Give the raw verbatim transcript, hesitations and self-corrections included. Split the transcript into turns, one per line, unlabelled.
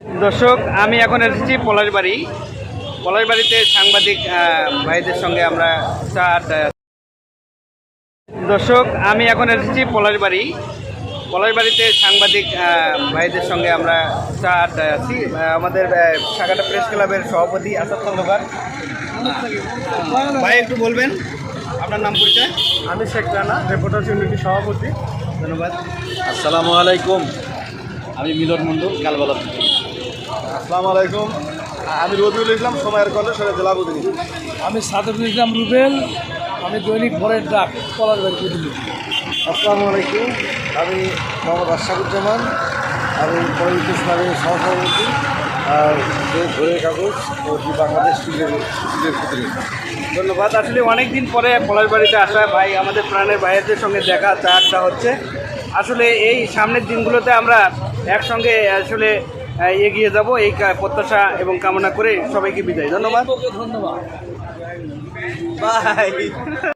দর্শক, আমি এখন এসেছি পলাশবাড়ি। পলাশবাড়িতে সাংবাদিক ভাইদের সঙ্গে আমরা চা আড্ডা। দর্শক, আমি এখন এসেছি পলাশবাড়ি। পলাশবাড়িতে সাংবাদিক ভাইদের সঙ্গে আমরা চা আড্ডায় আছি। আমাদের সাগাটা প্রেস ক্লাবের সভাপতি আসাদ খন্দকার ভাই, একটু বলবেন আপনার নাম পরিচয়?
আমি শেখ রানা, রিপোর্টার্স ইউনিটির সভাপতি।
ধন্যবাদ।
আসসালামু আলাইকুম, আমি মিলন মণ্ডল কালবালা থেকে।
আসসালামু আলাইকুম, আমি রবিউল ইসলাম, সময়ের কলেজ জেলা প্রতিনিধি।
আমি সাদরুল ইসলাম রুবেল, আমি দৈনিক ভোরের ডাক পলাশবাড়ি প্রতিনিধি।
আসসালামু আলাইকুম, আমি মোহাম্মদ আশরাফুজ্জামান, আমি পলিটিক্স ইসলামের সহসভাপতি আর ভোরের কাগজ ও দি বাংলাদেশ স্কুলের স্কুলের প্রতিনিধি।
ধন্যবাদ। আসলে অনেক দিন পরে পলাশবাড়িতে আসা ভাই, আমাদের প্রাণের ভাইয়ের সঙ্গে দেখা চা আড্ডা হচ্ছে। আসলে এই সামনের দিনগুলোতে আমরা একসঙ্গে আসলে এগিয়ে যাব, এই প্রত্যাশা এবং কামনা করে সবাইকে বিদায়। ধন্যবাদ।
ধন্যবাদ।
বাই।